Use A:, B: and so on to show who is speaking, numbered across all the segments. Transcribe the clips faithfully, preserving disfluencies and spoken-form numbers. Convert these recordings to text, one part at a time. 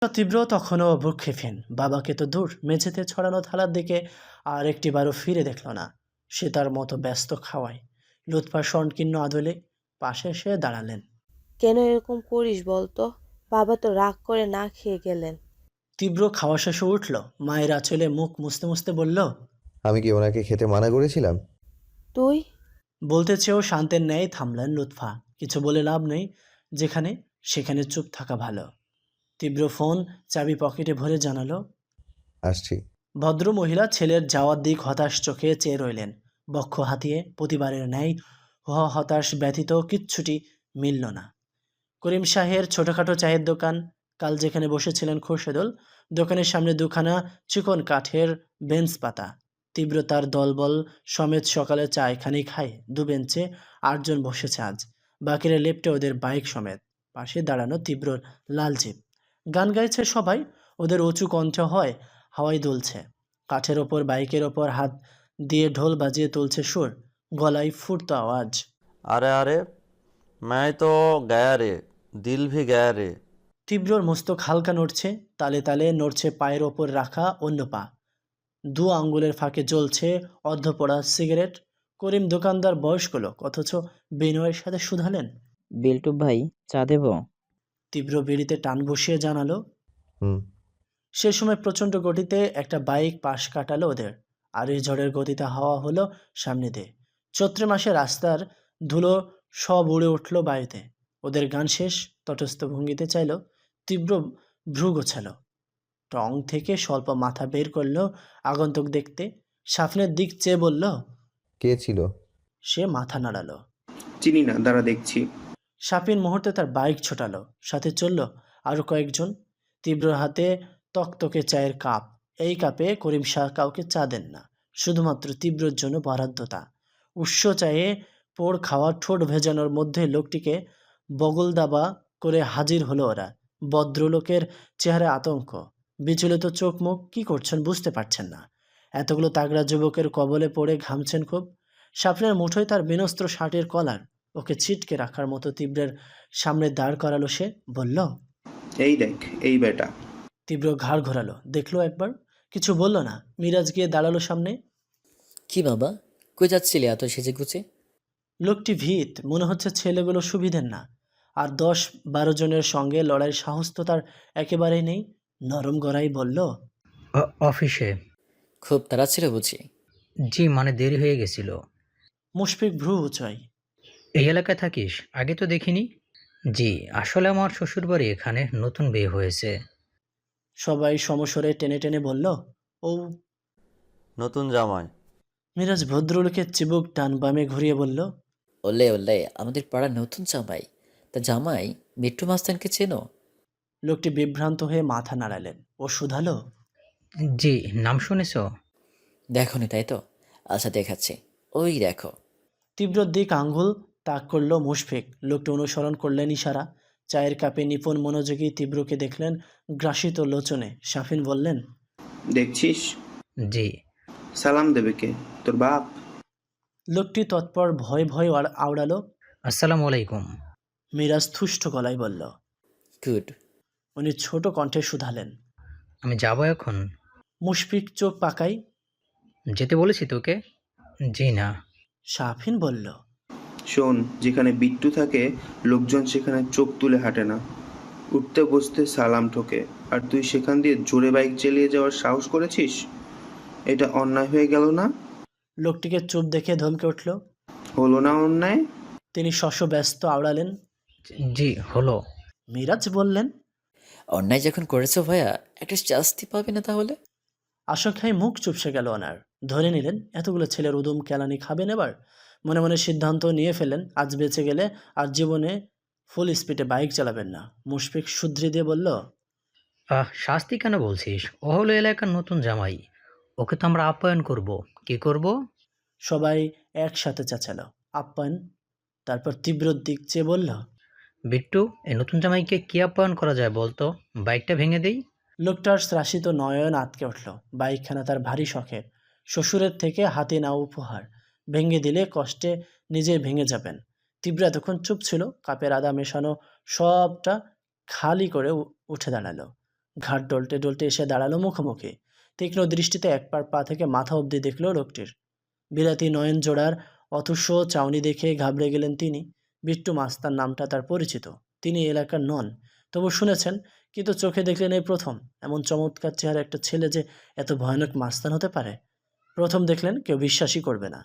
A: তীব্র তখনও ভ্রুক্ষেপহীন। বাবাকে তো দূর, মেঝেতে ছড়ানো থালার দিকে আর একটিবারও ফিরে দেখল না। সে তার মতো ব্যস্ত খাওয়ায়। লুৎফা সংকীর্ণ আদলে পাশে এসে দাঁড়ালেন।
B: কেন এরকম করিস বলতো? বাবা তো রাগ করে না খেয়ে গেলেন।
A: তীব্র খাওয়া শেষে উঠল, মায়ের আঁচলে মুখ মুছতে মুছতে বলল,
C: আমি কি ওনাকে খেতে মানা করেছিলাম?
B: তুই?
A: বলতে চেয়েও শান্তের ন্যায় থামলেন লুৎফা। কিছু বলে লাভ নেই, যেখানে সেখানে চুপ থাকা ভালো। তীব্র ফোন চাবি পকেটে ভরে জানালো,
C: আসছি।
A: ভদ্র মহিলা ছেলের যাওয়ার দিক হতাশ চোখে চেয়ে রইলেন, বক্ষ হাতিয়ে প্রতিবারের ন্যায়। হ হতাশ ব্যতীত কিচ্ছুটি মিলল না। করিম শাহের ছোটখাটো চায়ের দোকান। কাল যেখানে বসেছিলেন খোরশেদুল, দোকানের সামনে দুখানা চিকন কাঠের বেঞ্চ পাতা। তীব্র তার দলবল সমেত সকালে চা এখানেই খায়। দু বেঞ্চে আটজন বসেছে আজ, বাকিরা লেপ্টে ওদের বাইক সমেত। পাশে দাঁড়ানো তীব্রর লাল জিপ। গান গাইছে সবাই, ওদের উঁচু কণ্ঠ হয় হাওয়ায় দুলছে। কাঠের ওপর বাইকের ওপর হাত দিয়ে ঢোল বাজিয়ে তুলছে সুর, গলায় ফুটতো আওয়াজ।
D: अरे अरे मैं तो गया रे, दिल भी गया रे।
A: তীব্রর মস্তক হালকা নড়ছে, তালে তালে নড়ছে পায়ের ওপর রাখা অন্য পা। দু আঙ্গুলের ফাঁকে জ্বলছে অর্ধপোড়া সিগারেট। করিম দোকানদার বয়স্ক লোক, অথচ বিনয়ের সাথে শুধালেন।
E: বিল্টু ভাই, চা দেব?
A: তীব্র বিড়িতে টান বসিয়ে জানালো।
C: হুম।
A: সে সময় প্রচণ্ড গতিতে একটা বাইক পাশ কাটালো ওদের, আর এই ঝড়ের গতিতে হাওয়া হলো সামনে দিয়ে। চৈত্র মাসে রাস্তার ধুলো সব উড়ে উঠল বায়ুতে। ওদের গান শেষ, তটস্থ ভঙ্গিতে চাইল। তীব্র ভ্রু গোছালো, টং থেকে স্বল্প মাথা বের করলো আগন্তুক দেখতে। সাফনের দিক চেয়ে বলল,
C: কে ছিল?
A: সে মাথা নাড়ালো।
F: চিনি না, দাঁড়া দেখছি।
A: সাফিন মুহূর্তে তার বাইক ছোটালো, সাথে চলল আরো কয়েকজন। তীব্র হাতে তকতকে চায়ের কাপ। এই কাপে করিম শাহ কাউকে চা দেন না, শুধুমাত্র তীব্রর জন্য বরাদ্দ তা। উৎস চায়ে পোড় খাওয়া ঠোঁট ভেজানোর মধ্যে লোকটিকে বগল দাবা করে হাজির হলো ওরা। ভদ্রলোকের চেহারায় আতঙ্ক, বিচলিত চোখ মুখ। কি করছেন বুঝতে পারছেন না। এতগুলো তাগড়া যুবকের কবলে পড়ে ঘামছেন খুব। সাফনের মুঠোয় তার বিনস্ত্র শার্টের কলার, ওকে ছিটকে রাখার মতো তীব্রের সামনে দাঁড় করালো সে। বলল,
F: এই দেখ, এই বেটা।
A: তীব্র ঘাড় ঘোরালো, দেখলো একবার, কিছু বলল না। মিরাজ গিয়ে দাঁড়ালো সামনে।
G: কি বাবা, কই যাচ্ছিলে এত সেজে গুছে?
A: লোকটি ভীত, মনে হচ্ছে ছেলেগুলো সুবিধের না। আর দশ বারো জনের সঙ্গে লড়াইয়ের সাহস তো তার একেবারেই নেই। নরম গড়াই বলল,
H: অ- অফিসে।
G: খুব তাড়া ছিল বুঝি?
H: জি, মানে দেরি হয়ে গেছিল।
A: মুশফিক ভ্রু উঁচাই।
H: এই এলাকায় থাকিস? আগে তো দেখিনি। জি, আসলে আমার শ্বশুরবাড়ি এখানে, নতুন বিয়ে হয়েছে।
A: সবাই সমস্বরে টেনে টেনে বলল, ও।
D: নতুন জামাই।
A: মিরাজ ভদ্রলোকের চিবুক ডান বামে ঘুরিয়ে বলল,
G: ওলে ওলে, আমাদের পাড়ার নতুন জামাই। তা জামাই মিট্টু মাস্তানকে চেনো?
A: লোকটি বিভ্রান্ত হয়ে মাথা নাড়ালেন। ও শুধালো,
H: জি, নাম শুনেছ?
G: দেখোনি তাই তো? আচ্ছা দেখাচ্ছি, ওই দেখো।
A: তীব্র দিক আঙ্গুল তাক করল মুশফিক। লোকটি অনুসরণ করলেন ইশারা। চায়ের কাপে নিপুণ মনোযোগী তীব্রকে দেখলেন গ্রাসিত লোচনে। শাফিন বললেন,
F: দেখছিস?
H: জি।
F: সালাম দেবে কে? তোর বাপ?
A: লোকটি তৎপর ভয় ভয় আড়- আওড়ালো।
H: আসসালামু আলাইকুম।
A: মিরাজ থুষ্ট গলায় বলল।
G: গুড।
A: উনি ছোট কণ্ঠে শুধালেন।
H: আমি যাব এখন?
A: মুশফিক চোখ পাকাই।
H: যেতে বলেছি তোকে? জি না।
A: শাফিন বলল,
F: শোন, যেখানে বিট্টু থাকে লোকজন সেখানে চোখ তুলে হাঁটে না, উঠতে বসতে সালাম ঠোকে। আর তুই সেখান দিয়ে জোরে বাইক চালিয়ে যাওয়ার সাহস করেছিস? এটা অন্যায় হয়ে গেল না?
A: লোকটিকে চুপ দেখে ধমকে উঠল।
F: হলো না অন্যায়?
A: তিনি শশব্যস্ত আওড়ালেন।
H: জি, হলো।
A: মিরাজ বললেন,
G: অন্যায় যখন করেছো ভাইয়া, একটা শাস্তি পাবে না তাহলে?
A: আশঙ্কায় মুখ চুপসে গেল ওনার। ধরে নিলেন এতগুলো ছেলের উদুম কেলানি খাবেন এবার। মনে মনে সিদ্ধান্ত নিয়ে ফেলেন, আজ বেঁচে গেলে আর জীবনে ফুল স্পিডে বাইক চালাবেন না। মুশফিক শুধরি দিয়ে বলল,
H: আহ শাস্তি কেন বলছিস? ও হলো এলাকার নতুন জামাই, ওকে তো আমরা আপ্যায়ন করব। কি করব?
A: সবাই একসাথে চেঁচালো, আপ্যায়ন। তারপর তীব্র দিক চেয়ে বলল,
H: বিট্টু, এই নতুন জামাইকে কি আপ্যায়ন করা যায় বলতো? বাইকটা ভেঙে দেই?
A: লোকটার ত্রাসিত নয়ন আটকে উঠল। বাইকখানা তার ভারী শখের, শ্বশুরের থেকে হাতে নাও উপহার। ভেঙে দিলে কষ্টে নিজে ভেঙে যাবেন। তীব্র এতক্ষণ চুপ ছিল, কাপের আদা মেশানো সবটা খালি করে উ- উঠে দাঁড়ালো। ঘাট ডলতে ডলতে এসে দাঁড়ালো মুখোমুখি। তীক্ষ্ণ দৃষ্টিতে এক পার পা থেকে মাথা অবধি দেখল লোকটির। বিলাতি নয়ন জোড়ার অথস্য চাউনি দেখে ঘাবড়ে গেলেন তিনি। বিট্টু মাস্তার নামটা তার পরিচিত, তিনি এলাকার নন, তবু শুনেছেন, কিন্তু চোখে দেখলেন এই প্রথম। এমন চমৎকার চেহারা একটা ছেলে যে এত ভয়ানক মাস্তান হতে পারে, প্রথম দেখলেন কেউ বিশ্বাসই করবে না।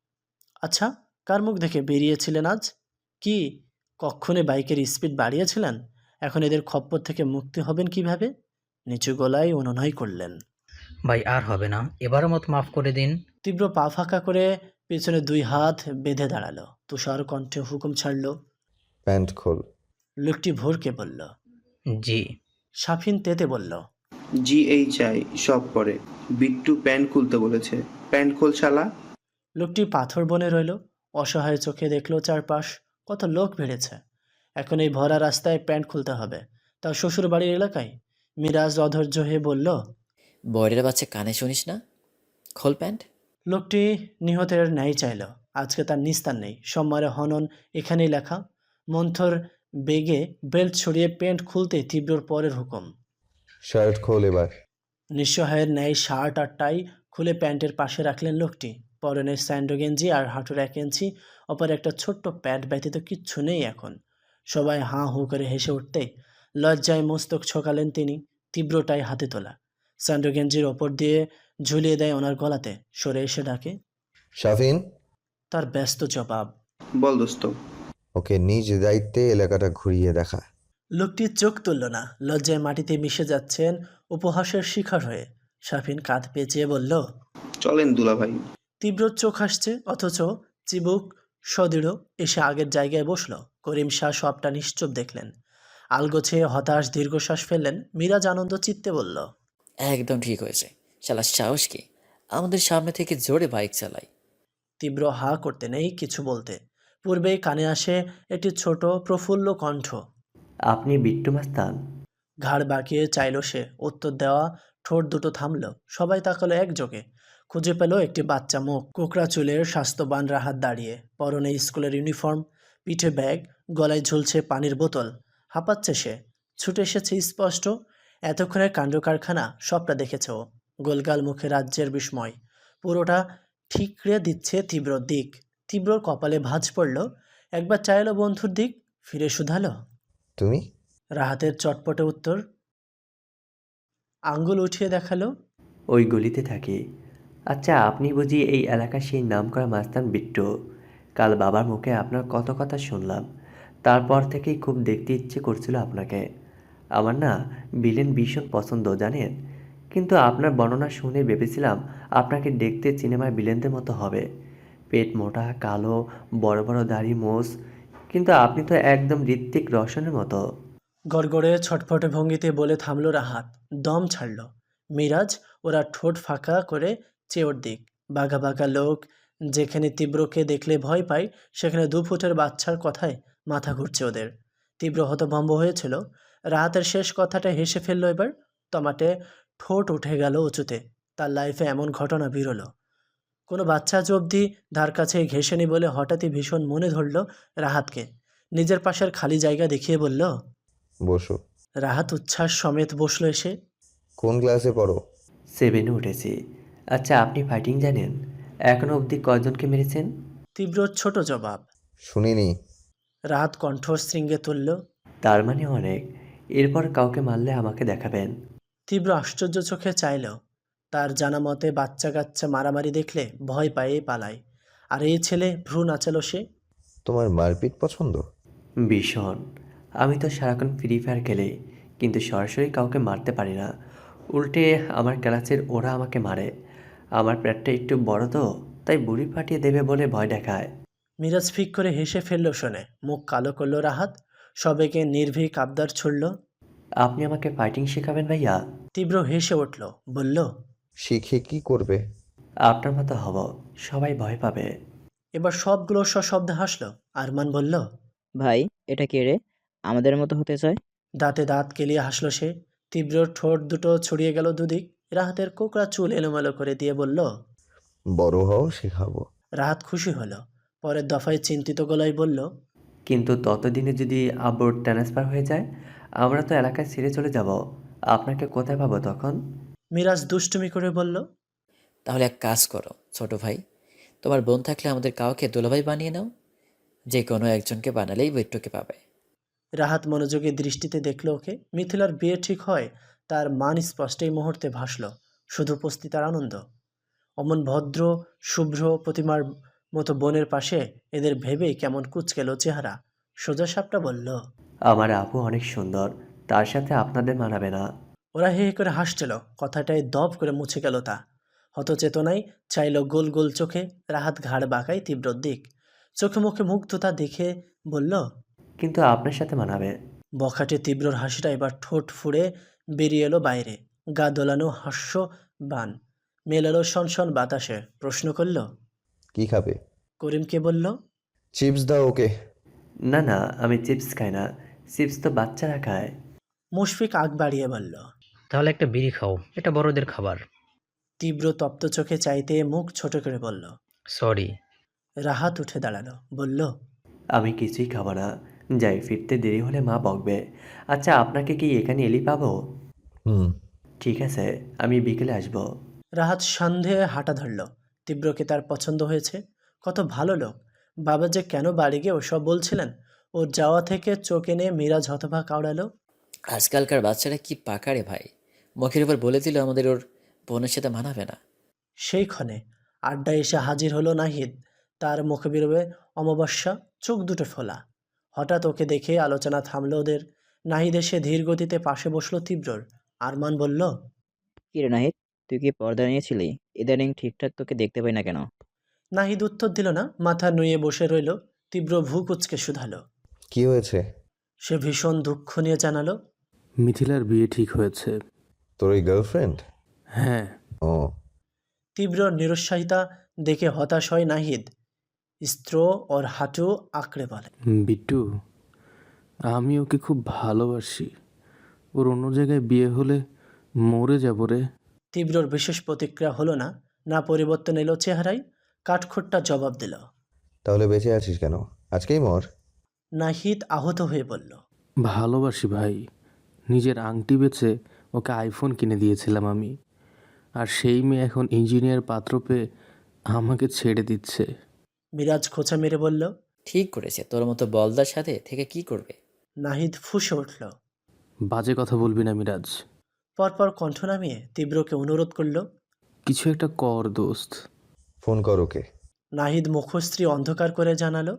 A: আচ্ছা, কার মুখ দেখে বেরিয়েছিলেন আজ? কি কক্ষণে বাইকের স্পিড বাড়িয়েছিলেন? এখন এদের খপ্পর থেকে মুক্তি হবেন কিভাবে? নিচু গলায় অনুনয় করলেন।
H: ভাই আর হবে না, এবারের মতো মাফ করে দিন।
A: তীব্র পা ফাঁকা করে পেছনে দুই হাত বেঁধে দাঁড়ালো। তুষার কণ্ঠে হুকুম ছাড়ল।
C: প্যান্ট খোল।
A: লোকটি ভোরকে বলল।
H: জি।
A: সাফিন তেতে বলল।
F: জি এইচ আই সব পরে। বিট্টু প্যান্ট খুলতে বলেছে, প্যান্ট খোল শালা।
A: লোকটি পাথর বনে রইল, অসহায় চোখে দেখল চারপাশ, কত লোক ভিড়েছে। এখন এই ভরা রাস্তায় প্যান্ট খুলতে হবে, তাও শ্বশুর বাড়ির এলাকায়। মিরাজ অধৈর্য হয়ে বলল।
G: বয়রের বাচ্চা কানে শুনিস না, খোল প্যান্ট।
A: লোকটি নিহতের ন্যায় চাইল। আজকে তার নিস্তার নেই, সোমবারে হনন এখানেই লেখা। মন্থর বেগে বেল্ট ছড়িয়ে প্যান্ট খুলতে তীব্রর পরের হুকুম।
C: শার্ট খোল এবার।
A: নিঃসহায়ের ন্যায় শার্ট আর টাই খুলে প্যান্টের পাশে রাখলেন লোকটি। পরনে স্যান্ডো গেঞ্জি আর হাঁটুর এক ইঞ্চি, অপর একটা ছোট্ট প্যান্ট ব্যতীত কিচ্ছু নেই এখন। সবাই হাঁ হু করে হেসে উঠতে লজ্জায় মস্তক ছোকালেন তিনি। তীব্রটাই হাতে তোলা, স্যান্ডো গেঞ্জির ওপর দিয়ে ঝুলিয়ে দেয় ওনার গলাতে। সরে এসে ডাকে।
C: শাফিন।
A: তার ব্যস্ত জবাব।
F: বল দোস্ত।
C: ওকে নিজ দায়িত্বে এলাকাটা ঘুরিয়ে দেখা।
A: লোকটি চোখ তুলল না, লজ্জায় মাটিতে মিশে যাচ্ছেন উপহাসের শিকার হয়ে। শাফিন কাঁধ পেঁচিয়ে বলল।
F: চলেন দুলা ভাই।
A: তীব্র চোখ হাসছে, অথচ চিবুক সদৃঢ়। এসে আগের জায়গায় বসল। করিম শাহ সবটা নিশ্চুপ দেখলেন। আলগোছে হতাশ দীর্ঘশ্বাস ফেললেন। মিরাজ আনন্দ চিত্তে বলল।
G: একদম ঠিক হয়েছে, শালা সাহস কি আমাদের সামনে থেকে জোরে বাইক চালায়।
A: তীব্র হা করতে নেই কিছু বলতে। পূর্বেই কানে আসে একটি ছোট প্রফুল্ল কণ্ঠ।
I: আপনি বিট্টু মাস্তান?
A: ঘাড় বাঁকিয়ে চাইল সে, উত্তর দেওয়া ঠোঁট দুটো থামল। সবাই তাকালো একযোগে। খুঁজে পেল একটি বাচ্চা মুখ, কোকড়া চুলের স্বাস্থ্যবান রাহাত দাঁড়িয়ে, পরনে স্কুলের ইউনিফর্ম, পিঠে ব্যাগ, গলায় ঝুলছে পানির বোতল। হাঁপাচ্ছে সে, ছুটে এসেছে স্পষ্ট। এতক্ষণের কাণ্ড কারখানা সবটা দেখেছে ও। গোলগাল মুখে রাজ্যের বিস্ময়, পুরোটা ঠিকরে দিচ্ছে তীব্রর দিক। তীব্রর কপালে ভাঁজ পড়ল। একবার চাইলো বন্ধুর দিক, ফিরে শুধালো।
C: তুমি?
A: রাহাতের চটপটে উত্তর। আঙ্গুল উঠিয়ে দেখালো।
I: ওই গলিতে থাকি। আচ্ছা, আপনি বুঝি এই এলাকার সেই নামকরা মাস্তান বিট্টু? কাল বাবার মুখে আপনার কত কথা শুনলাম, তারপর থেকেই খুব দেখতে ইচ্ছে করছিল আপনাকে। আমার না ভিলেন ভীষণ পছন্দ জানেন, কিন্তু আপনার বর্ণনা শুনে ভেবেছিলাম আপনাকে দেখতে সিনেমার ভিলেনদের মতো হবে। পেট মোটা, কালো, বড় বড় দাড়ি, মোষ, কিন্তু আপনি তো একদম ঋত্বিক রোশনের মতো।
A: গড়গড়ে ছটফটে ভঙ্গিতে বলে থামল রাহাত, দম ছাড়ল। মিরাজ ওরা ঠোঁট ফাঁকা করে চেয়ে ওর দিক। বাঘা বাঘা লোক যেখানে তীব্রকে দেখলে ভয় পায়, সেখানে দু ফুটের বাচ্চার কথায় মাথা ঘুরছে ওদের। তীব্র হতভম্ব হয়েছিল। রাহাতের শেষ কথাটা হেসে ফেলল এবার। টমাটে ঠোঁট উঠে গেল উঁচুতে। তার লাইফে এমন ঘটনা বিরল। কোনো বাচ্চা আজ অবধি ধার কাছে ঘেঁষেনি বলে হঠাৎই ভীষণ মনে ধরল রাহাতকে। নিজের পাশের খালি জায়গা দেখিয়ে বলল।
C: বসো।
A: রাহাত উচ্ছ্বাস সমেত বসল এসে।
C: কোন ক্লাসে পড়ো?
I: সেভেনে উঠেছি। আচ্ছা, আপনি ফাইটিং জানেন? এখনো অবধি কয়জনকে মেরেছেন?
A: তীব্র ছোট জবাব।
C: শুনিনি।
A: রাহাত কণ্ঠ শৃঙ্গে তুলল।
I: তার মানে অনেক। এরপর কাউকে মারলে আমাকে দেখাবেন।
A: তীব্র আশ্চর্য চোখে চাইল। তার জানা মতে বাচ্চা কাচ্চা মারামারি দেখলে ভয় পায়ে পালায়, আর এই ছেলে ভ্রু নাচালো সে।
C: তোমার মারপিট পছন্দ?
I: ভীষণ। আমি তো সারাক্ষণ ফ্রি ফায়ার খেলি, কিন্তু সরাসরি কাউকে মারতে পারি না। উল্টে আমার ক্লাসের ওরা আমাকে মারে। আমার পেটটা একটু বড় তো, তাই বুড়ি ফাটিয়ে দেবে বলে ভয় দেখায়।
A: মিরাজ ফিক করে হেসে ফেলল শুনে। মুখ কালো করল রাহাত, সবেকে নির্ভীক আবদার ছুড়ল।
I: আপনি আমাকে ফাইটিং শেখাবেন ভাইয়া?
A: তীব্র হেসে উঠল, বলল।
C: শিখে কি করবে?
I: আপনার মতো হব, সবাই ভয় পাবে।
A: এবার সবগুলো সশব্দে হাসল। আরমান বলল।
E: ভাই, এটা কে রে? আমাদের মতো হতে চায়?
A: দাঁতে দাঁত কেলিয়ে হাসল সে। তীব্রর ঠোঁট দুটো ছড়িয়ে গেল দুদিক। রাহাতের কোকড়া চুল এলোমেলো করে দিয়ে বলল।
C: বড় হও, শেখাবো।
A: রাহাত খুশি হলো। পরের দফায় চিন্তিত গলায় বলল।
I: কিন্তু ততদিনে যদি আব্বুর ট্রান্সফার হয়ে যায়, আমরা তো এলাকায় ছেড়ে চলে যাব। আপনাকে কোথায় পাবো তখন?
A: মিরাজ দুষ্টুমি করে বলল।
G: তাহলে এক কাজ করো ছোট ভাই, তোমার বোন থাকলে আমাদের কাউকে দুলাভাই বানিয়ে নাও। যে কোনো একজনকে বানালেই বিট্টুকে পাবে।
A: রাহাত মনোযোগী দৃষ্টিতে দেখল ওকে। মিথিলার বিয়ে ঠিক হয় তার মান স্পষ্ট এই মুহূর্তে ভাসল শুধু উপস্থিতার আনন্দ। অমন ভদ্র শুভ্র প্রতিমার মতো বোনের পাশে এদের ভেবেই কেমন কুঁচকেল চেহারা। সোজা সাপটা বলল।
I: আমার আপু অনেক সুন্দর, তার সাথে আপনাদের মানাবে না।
A: ওরা হে হে করে হাসছিল, কথাটায় দপ করে মুছে গেল তা। হতচেতনায় চাইল গোল গোল চোখে। রাহাত ঘাড় বাঁকায় তীব্র দিক, চোখে মুখে মুগ্ধতা দেখে বলল।
I: কিন্তু আপনার সাথে মানাবে।
A: বখাটে তীব্রর হাসিটা এবার ঠোঁট ফুঁড়ে বেরিয়ে এলো বাইরে। গা দোলানো হাস্য বান মেলালো শনশন বাতাসে। প্রশ্ন করল।
C: কি খাবে?
A: করিমকে বলল।
C: চিপস দাও ওকে।
I: না না, আমি চিপস খাই না, চিপস তো বাচ্চারা খায়।
A: মুশফিক আগ বাড়িয়ে বলল।
H: তাহলে একটা বিড়ি খাও, এটা বড়দের খাবার।
A: তীব্র তপ্ত চোখে চাইতে মুখ ছোট করে বলল।
H: সরি।
A: রাহাত উঠে দাঁড়ালো, বলল।
I: আমি কিছুই খাবো না, যাই, ফিরতে দেরি হলে মা বকবে। আচ্ছা, আপনাকে কি এখানে এলি পাবো?
C: হুম।
I: ঠিক আছে, আমি বিকেলে আসবো।
A: রাহাত সন্দেহে হাঁটা ধরল। তীব্রকে তার পছন্দ হয়েছে, কত ভালো লোক। বাবা যে কেন বাড়ি গিয়ে ওসব বলছিলেন। ওর যাওয়া থেকে চোখ এনে মিরাজ হতভা কাউড়ালো।
G: আজকালকার বাচ্চারা কি পাকা রে ভাই, মুখের উপর বলে দিল আমাদের ওর বোনের সাথে মানাবে না।
A: সেই ক্ষণে আড্ডায় এসে হাজির হলো নাহিদ। তার মুখে বেরোবে অমাবস্যা, চোখ দুটো ফোলা। হঠাৎ ওকে দেখে আলোচনা থামলো ওদের। নাহিদ এসে ধীর গতিতে পাশে বসলো তীব্রর। আরমান বলল।
E: কি রে নাহিদ, তুই কি পর্দা নিয়েছিলি? ইদানিং ঠিকঠাক তোকে দেখতে পাই না কেন?
A: নাহিদ উত্তর দিল না, মাথা নুয়ে বসে রইল। তীব্র ভূ কুচকে শুধালো।
C: কি হয়েছে?
A: সে ভীষণ দুঃখ নিয়ে জানালো।
J: মিথিলার বিয়ে ঠিক হয়েছে।
C: তোর ওই গার্লফ্রেন্ড?
J: হ্যাঁ।
C: ও।
A: তীব্র নিরুৎসাহিতা দেখে হতাশ হয় নাহিদ। স্ত্র ওর হাঁটু আঁকড়ে বলে।
J: বিট্টু, আমি ওকে খুব ভালোবাসি। ওর অন্য জায়গায় বিয়ে হলে মরে যাব রে।
A: তীব্রর বিশেষ প্রতিক্রিয়া হলো না, না পরিবর্তন এলো চেহারায়। কাঠখোট্টা জবাব দিল।
C: তাহলে বেঁচে আছিস কেন? আজকেই মর।
A: নাহিদ আহত হয়ে বলল।
J: ভালোবাসি ভাই, নিজের আংটি বেচে ওকে আইফোন কিনে দিয়েছিলাম আমি, আর সেই মেয়ে এখন ইঞ্জিনিয়ার পাত্র পেয়ে আমাকে ছেড়ে দিচ্ছে।
A: মিরাজ খোঁচা মেরে বলল।
G: ঠিক করেছে, তোর মতো বলদার সাথে থেকে কি করবে।
A: নাহিদ ফুঁসে উঠল।
J: বাজে কথা বলবি না মিরাজ।
A: পরপর কণ্ঠ নামিয়ে তীব্রকে অনুরোধ করল।
J: কিছু একটা কর দোস্ত।
C: ফোন কর ওকে।
A: নাহিদ মুখশ্রী অন্ধকার করে জানালো।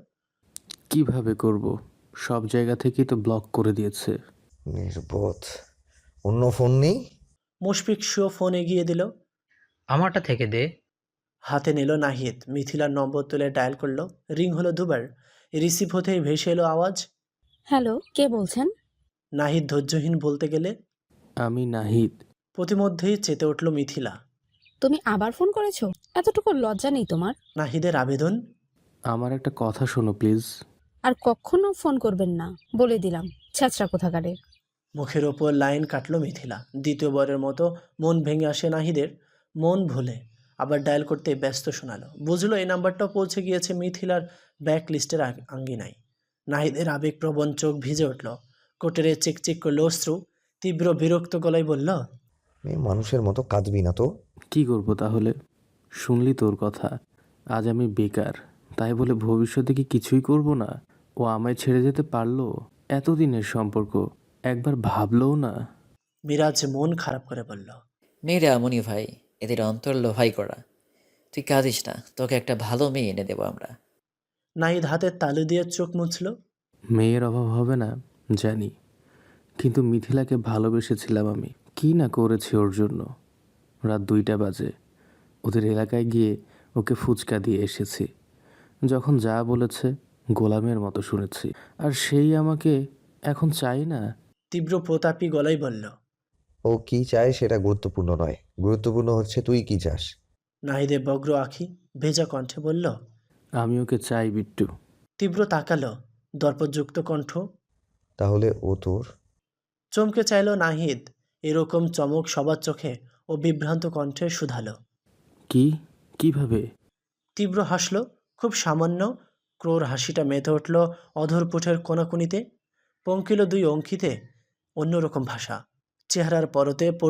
J: কিভাবে করব? সব জায়গা থেকেই তো ব্লক করে দিয়েছে।
C: নির্বোধ। অন্য ফোন নেই?
A: মুশফিক শুয়ে ফোন এগিয়ে দিল।
H: আমারটা থেকে দে।
A: হাতে নিল নাহিদ। মিথিলার নম্বর তুলে ডায়াল করলো। রিং হলো দুবার। রিসিভ হতেই ভেসে এলো আওয়াজ।
K: হ্যালো, কে বলছেন?
A: নাহিদ ধৈর্যহীন বলতে গেলে।
J: আমি নাহিদ।
A: প্রতিমধ্যেই চেতে উঠল মিথিলা।
K: তুমি আবার ফোন করেছো? এতটুকু লজ্জা নেই তোমার?
A: নাহিদের আবেদন।
J: আমার একটা কথা শোনো প্লিজ।
K: আর কখনো ফোন করবেন না, বলে দিলাম, ছ্যাচরা কোথাকারে।
A: মুখের ওপর লাইন কাটল মিথিলা। দ্বিতীয়বারের মতো মন ভেঙে আসে নাহিদের। মন ভুলে আবার ডায়াল করতে ব্যস্ত শোনালো। বুঝলো এই নাম্বারটাও পৌঁছে গিয়েছে মিথিলার ব্যাক লিস্টের আঙ্গিনায়। নাহিদের আবেগপ্রবণ চোখ ভিজে উঠল। কোটেরে চিকচিক করলো অশ্রু। তীব্র বিরক্ত গলায় বলল।
C: মেয়ে মানুষের মতো কাঁদবি না তো।
J: কি করব তাহলে? শুনলি তোর কথা, আজ আমি বেকার, তাই বলে ভবিষ্যতে কি কিছুই করব না? ও আমায় ছেড়ে যেতে পারলো? এতদিনের সম্পর্ক, একবার ভাবলও না।
A: মিরাজ মন খারাপ করে বলল।
G: মেয়েরা এমনই ভাই, এদের অন্তর লোহাই করা। তুই কাঁদিস না, তোকে একটা ভালো মেয়ে এনে দেবো আমরা।
A: নাহিদ হাতের তালু দিয়ে চোখ মুছল।
J: মেয়ের অভাব হবে না জানি, কিন্তু মিথিলাকে ভালোবেসেছিলাম আমি। কি না করেছি ওর জন্য। রাত দুইটা বাজে ওদের এলাকায় গিয়ে ওকে ফুচকা দিয়ে এসেছি। যখন যা বলেছে গোলামের মতো শুনেছি, আর সেই আমাকে এখন চাই না।
A: তীব্র প্রতাপী গলায় বলল।
C: ও কি চায় সেটা গুরুত্বপূর্ণ নয়, গুরুত্বপূর্ণ হচ্ছে তুই কি চাস।
A: নাহিদের বগ্র আঁখি ভেজা কণ্ঠে বলল।
J: আমি ওকে চাই বিট্টু।
A: তীব্র তাকালো, দর্পযুক্ত কণ্ঠ।
C: তাহলে ও তোর?
A: চমকে চাইল নাহিদ। এরকম চমক সবার চোখে ও বিভ্রান্ত কণ্ঠে শুধালো।
J: কি? কিভাবে?
A: তীব্র হাসল, খুব সামান্য। ক্রোর হাসিটা মেতে উঠল অধরপুঠের কোনাকুনিতে। পঙ্কিল দুই অঙ্কিতে অন্যরকম ভাষা। চেহারার পরতে